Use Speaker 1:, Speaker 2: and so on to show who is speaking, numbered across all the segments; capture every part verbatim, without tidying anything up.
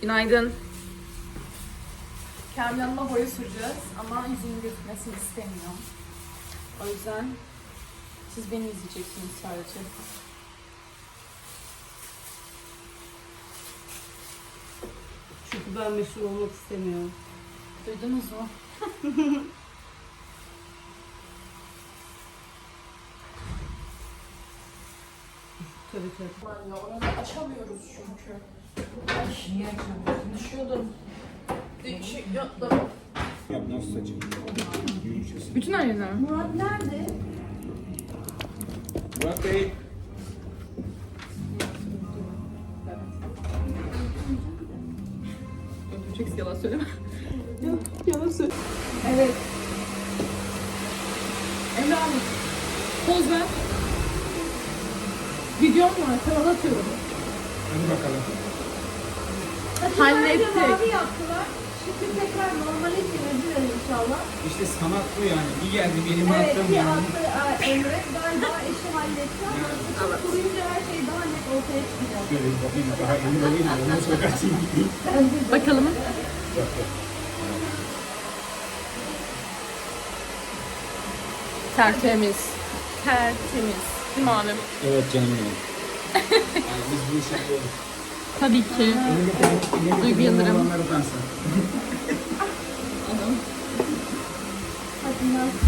Speaker 1: Günaydın. Kamil Hanım'a boya süreceğiz ama yüzünün gözükmesini istemiyorum. O yüzden siz beni izleyeceksiniz sadece.
Speaker 2: Çünkü ben meşhur olmak istemiyorum.
Speaker 1: Duydunuz mu?
Speaker 2: Tabii tabii.
Speaker 1: Aman ya, orada açamıyoruz çünkü. Ay, niye açamıyorsun? Düşüyordum. Düşüyordum.
Speaker 3: Ya nasıl saçım?
Speaker 1: Bütün aileler mi?
Speaker 2: Murat nerede?
Speaker 3: Murat Bey.
Speaker 1: Öldüreceksin, yalan söyleme.
Speaker 2: Yalan söyle.
Speaker 1: Evet. Emre abi. Poz ver. Videom var. Kanala atıyorum.
Speaker 3: Hadi bakalım.
Speaker 1: Hallettik.
Speaker 2: Mavi yaptılar. Şimdi tekrar normale çevirdiler inşallah.
Speaker 3: İşte sanat bu yani. Bir geldi benim
Speaker 2: Evet,
Speaker 3: attığım
Speaker 2: bir
Speaker 3: yani.
Speaker 2: attı e, Emre. Galiba eşi halletti ama evet. Kuruyunca her şey daha net ortaya çıkacak.
Speaker 3: Şöyle bir bakayım daha emin olayım da ondan sonra kaçayım gideyim.
Speaker 1: Bakalım. Tertemiz. Tertemiz. Değil mi abi?
Speaker 3: Evet canım benim. Yani biz bu işi yapıyoruz.
Speaker 1: Tabii ki. Duygu Yıldırım.
Speaker 3: Olanları utansın.
Speaker 2: Hadi Naz.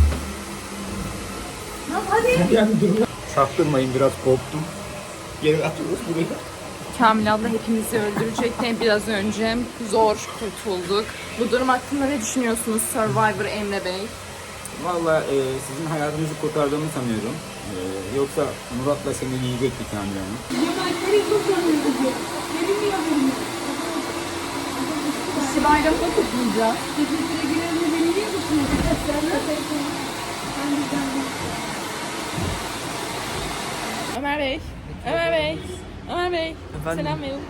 Speaker 2: Naz hadi.
Speaker 3: Yani durun. Çaktırmayın, biraz korktum. Geri atıyoruz buraya.
Speaker 1: Kamil abla hepimizi öldürecekti biraz önce. Zor kurtulduk. Bu durum hakkında ne düşünüyorsunuz Survivor Emre Bey?
Speaker 3: Valla e, sizin hayatınızı kurtardığımı sanıyorum. E, yoksa Murat'la seni yiyecektik Kamil Hanım.
Speaker 2: Yemekleri çok yanıyor. Benim niye haberim yok?
Speaker 1: İşte bayramda kutlayacağız.
Speaker 2: Teşekkür ederim. Beni niye tutuyorsun? Sen de ben de ben de.
Speaker 1: Ömer Bey. Ömer Bey. Ömer Bey.
Speaker 4: Efendim?
Speaker 1: Selam verin.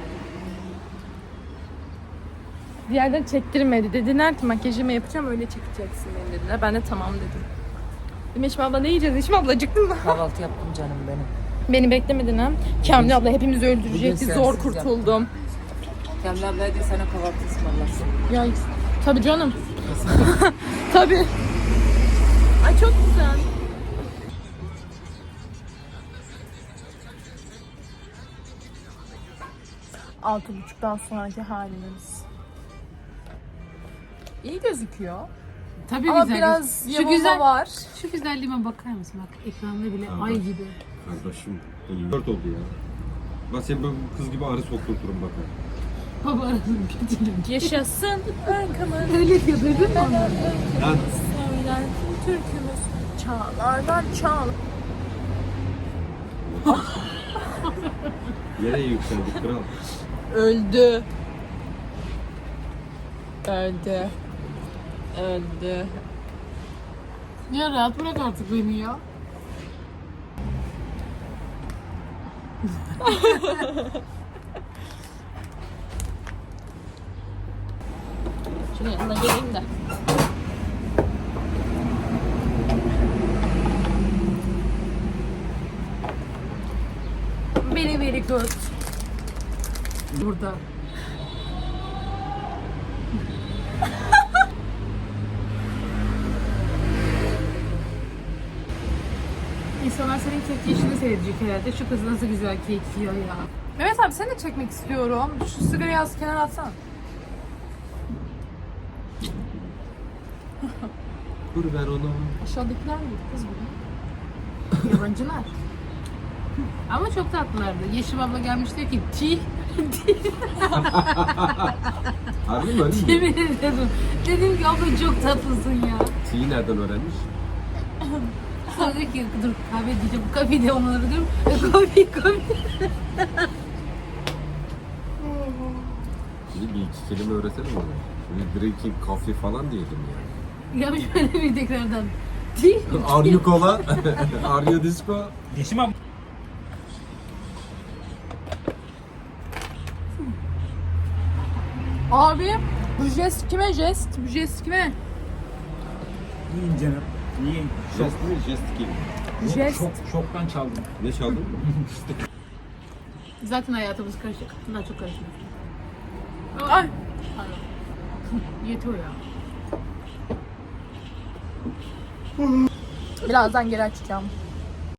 Speaker 1: Bir yerden çektirmedi. Dediler ki makyajımı yapacağım öyle çekeceksin beni dediler. Ben de tamam dedim. Dedim Eşim abla ne yiyeceğiz? Eşim abla acıktın mı?
Speaker 4: Kahvaltı yaptım canım benim.
Speaker 1: Beni beklemedin ha. Kamil abla hepimizi öldürecekti.
Speaker 4: Bugün
Speaker 1: Zor
Speaker 4: sensiz
Speaker 1: kurtuldum.
Speaker 4: Kamil abla hadi sana kahvaltı ısmarlasın.
Speaker 1: Ya tabii canım. Tabii. Ay çok güzel. Altı buçuktan sonraki halimiz. İyi gözüküyor.
Speaker 5: Tabii
Speaker 1: Ama
Speaker 5: güzel.
Speaker 1: biraz
Speaker 5: Şu
Speaker 1: yamulma
Speaker 5: güzel
Speaker 1: var.
Speaker 5: Şu güzelliğime bakar mısın? Bak ekranda bile ay gibi.
Speaker 6: Kardeşim, dört oldu ya. Ben seni böyle kız gibi arı sokturturum bak.
Speaker 5: Baba arasın kötülüğüm.
Speaker 1: Yaşasın arkamın.
Speaker 5: Öyle diyor duydun mu?
Speaker 6: Lan
Speaker 1: Söyler türkümüz çağlardan çağlar.
Speaker 6: nereye yükseldik kral?
Speaker 1: Öldü. Öldü. Öldü.
Speaker 5: Ya rahat bırak artık beni ya.
Speaker 1: Şunun yanına geleyim de. Very very good.
Speaker 5: Burada. İnsanlar senin kek yiyişini seyredecek herhalde. Şu kız nasıl güzel kek yiyor ya.
Speaker 1: Mehmet abi seni de çekmek istiyorum. Şu sigarayı az kenara atsana.
Speaker 6: Dur ver onu.
Speaker 1: Aşağıdakiler mi kız bu?
Speaker 5: Yabancılar. Ama çok tatlılardı. Yeşim abla gelmiş diyor ki ti.
Speaker 6: Harbi mi öyle mi?
Speaker 5: Yemin ederim. Dedim ki abla çok tatlısın ya.
Speaker 6: T'yi nereden öğrenmiş?
Speaker 5: Sonra diyor ki dur kahve diyeceğim. Kahve de onları diyorum. Kahve kahve.
Speaker 6: Şimdi bir iki kelime öğretsene bana. Böyle drinking coffee falan diyelim yani.
Speaker 5: Ya şöyle bir tekrardan. Ti.
Speaker 6: Are you cola? Are you disco?
Speaker 3: Yeşim abi.
Speaker 1: Abi bu jest kime jest? Bu jest kime?
Speaker 3: Yiyin canım. Yiyin.
Speaker 6: Jest mi? Jest kim?
Speaker 1: Jest.
Speaker 3: Şok, şoktan çaldım.
Speaker 6: Ne çaldın?
Speaker 5: Zaten hayatımız karışık. Daha çok karışık.
Speaker 1: Ay.
Speaker 5: Yetiyor ya.
Speaker 1: Birazdan geri açacağım.